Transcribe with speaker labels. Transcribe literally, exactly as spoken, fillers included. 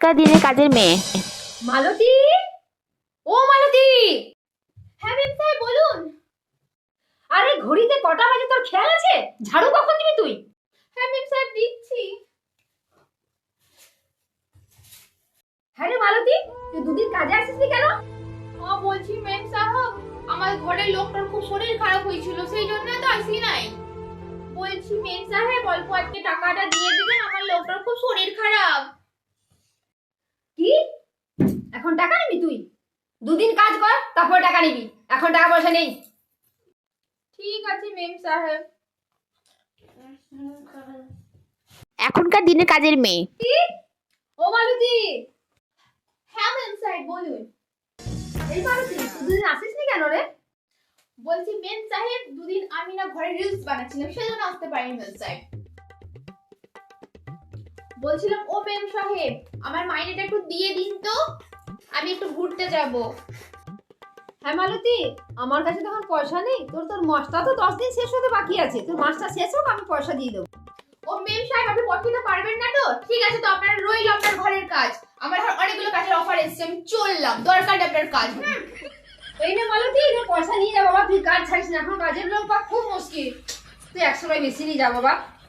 Speaker 1: এখনকার দিনে কাজের মেয়ে।
Speaker 2: মালতী, ও মালতী। হ্যাঁ ম্যাম সাহেব বলুন। আরে ঘড়িতে কটা বাজে তোর খেয়াল আছে? ঝাড়ু কখন দিবি তুই? হ্যাঁ ম্যাম সাহেব দিচ্ছি। হ্যাঁ রে মালতী, তুই দুদিন কাজে আসিসনি কেন?
Speaker 3: ও বলছি ম্যাম সাহেব, আমার ঘরের লোকটার খুব শরীর খারাপ হয়েছিল, সেই জন্য তো আসি নাই। বলছি ম্যাম সাহেব অল্প আজকে টাকাটা দিয়ে দিবেন, আমার লোকটার খুব শরীর খারাপ।
Speaker 2: কি এখন টাকা নিবি তুই? দুদিন কাজ কর তারপর টাকা নিবি, এখন টাকা পয়সা নেই।
Speaker 3: ঠিক আছে ম্যাম সাহেব।
Speaker 1: এখনকার দিনে কাজের মেয়ে।
Speaker 2: কি? ও মালতী।
Speaker 3: হ্যাঁ ম্যাম সাহেব বলুন।
Speaker 2: এই মালতী, তুই দুদিন আসিসনি কেন রে?
Speaker 3: বলছি ম্যাম সাহেব দুদিন আমি না ঘরে রিলস বানাচ্ছিলাম, সেই জন্য আসতে পারিনি ম্যাম সাহেব। বলছিলাম ও ম্যাম সাহেব আমার মাইনেটা একটু দিয়ে দিন তো, আমি একটু ঘুরতে যাব।
Speaker 2: হ্যাঁ মালতী, আমার কাছে তখন পয়সা নেই। তোর তোর মাসটা তো দশ দিন শেষ হতে বাকি আছে, তোর মাসটা শেষ হোক আমি পয়সা দিয়ে দেবো।
Speaker 3: ও ম্যাম সাহেব আপনি পছন্দ পারবেন না তো? ঠিক আছে, তো আপনার রইল আপনার ঘরের কাজ। আমার ঘর অনেকগুলো কাজের অফার এসেছে, আমি চললাম, দরকার নেই আপনার কাজ। হুম,
Speaker 2: এই নে মালতী, এটা পয়সা নিয়ে যা বাবা, তুই কাজ ছাড়িস না, এখন কাজের লোক পাওয়া খুব মুশকিল। তুই একশো টাকা বেশি নিয়ে যা বাবা।